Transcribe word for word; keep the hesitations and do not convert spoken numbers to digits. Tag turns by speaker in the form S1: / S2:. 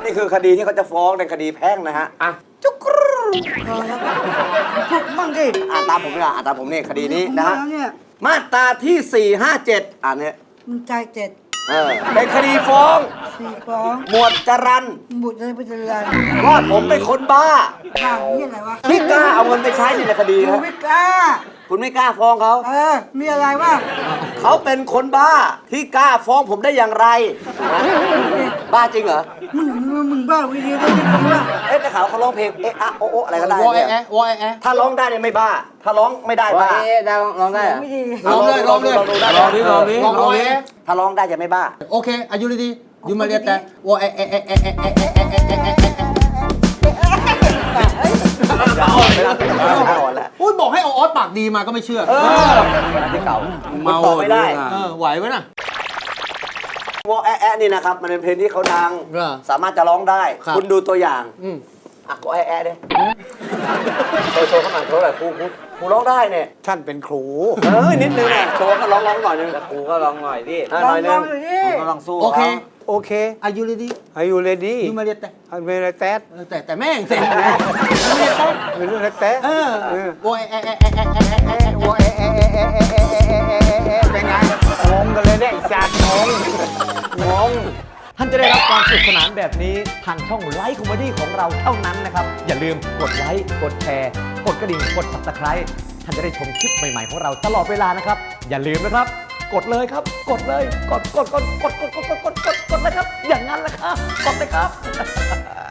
S1: นี่คือคดีที่เขาจะฟ้องในคดีแพ่งนะฮะอ่ะจุกรู
S2: พอแล้วถูกมั่งดิ
S1: อ่านตามผมดีกว่าอ่านตามผมนี่คดีนี้นะฮะ
S2: เนี่ย
S1: มาตราที่สี่ห้าเจ็ดอ่านเนี่ย
S2: มึงใจเจ็ด
S1: เออเป็นคดีฟ้อง
S2: สี่สอง
S1: หมวดจรัน
S2: บุตรเลยไปเจริญ
S1: ว่าผมเป็นคนบ้า
S2: ข้างนี่อะไรวะ
S1: ที่กล้าเอาเงินไปใช้ในคดี
S2: กู
S1: ฮะ
S2: ไม่กล้า
S1: คุณไม่กล้าฟ้องเขา
S2: เออ มีอะไรวะ
S1: เขาเป็นคนบ้าที่กล้าฟ้องผมได้อย่างไรนะบ้าจริงเหรอ
S2: มึงมึงมึงบ้าวิธีก็ไม่ดีวะ
S1: เอ๊ะแต่ข่าวเขาร้องเพลงเอ๊ะอะโอะโอะอะไรก็ได้
S3: วอแอ
S1: เนี่ย
S3: แอะวอแอแอะ
S1: ถ้าร้องได้เนี่ยไม่บ้า ถ้าร้องไม่ได้
S4: ว่า
S1: บ้า
S4: เอ๊ะได้ร้องได้เหรอ
S2: ไม่ดี
S3: ลองเลยลองเลย
S1: ลองดูได้
S3: ลองดิลองดิลองวอแอ
S1: ถ้าร้องได้จะไม่บ้า
S3: โอเคอายุดียูมาเรียแต่วอแอแอะแอะแอะแอะแอะแอะแอะแอะแอะแอะ
S1: อ่อนไปแล้วอ่อนแล้ว
S3: อุ้ยบอกให้เอาออสปากดีมาก็ไม่เชื่อ
S1: เออที่เก่ามันตอบไม่ได้
S3: เออไหวไหมน่ะ
S1: วอแอะแอะนี่นะครับมันเป็นเพลงที่เขาดัง
S3: เหรอ
S1: สามารถจะร้องได้
S3: ครับ
S1: คุณดูตัวอย่าง
S3: อืม
S1: อ่ะวอแอะแอะดิโชว์โชว์เข้ามาโชว์หน่อยครูครูครูร้องได้เนี่ย
S5: ท่านเป็นครู
S1: เออนิดนึงอ่ะโชว์ก็ร้องร้องหน่อยนึง
S4: ครูก็ลองหน่อยดิ
S1: อ่ะ
S2: ล
S1: ห
S2: อ
S1: น่
S2: ง
S1: อยนึง
S2: ลองดูดิ
S4: ก็ลองสู้
S3: โอเค
S5: โอเค
S3: อายุดี
S5: Are you ready
S3: ยูมาเรียแต่
S5: I'm very sad
S3: เออแต่แต่แม่งเสร็จนะยูมาเรียแต่
S5: I'm very sad
S3: เออวอแอแอะแอะแอะแอะแอะแอะแอะ
S5: โอ้เอ๊ะเอ๊ะเอ๊ะเอ๊ะเอ๊ะเอ๊ะเอ๊ะเอ๊ะเป็นไงงงกันเลยเนี่ยไอ้สัตว์งงงง
S6: ท่านจะได้รับความสนุกสนานแบบนี้ทางช่องไลฟ์คอมเมดี้ของเราเท่านั้นนะครับ อย่าลืมกดไลค์กดแชร์ กดกระดิ่งกด ซับสไครบ์ ท่านจะได้ชมคลิปใหม่ๆของเราตลอดเวลานะครับ อย่าลืมนะครับ กดเลยครับ กดเลย กดกดกดกดกดกดกดกดกดกดเลยครับ อย่างนั้นแหละครับ กดเลยครับ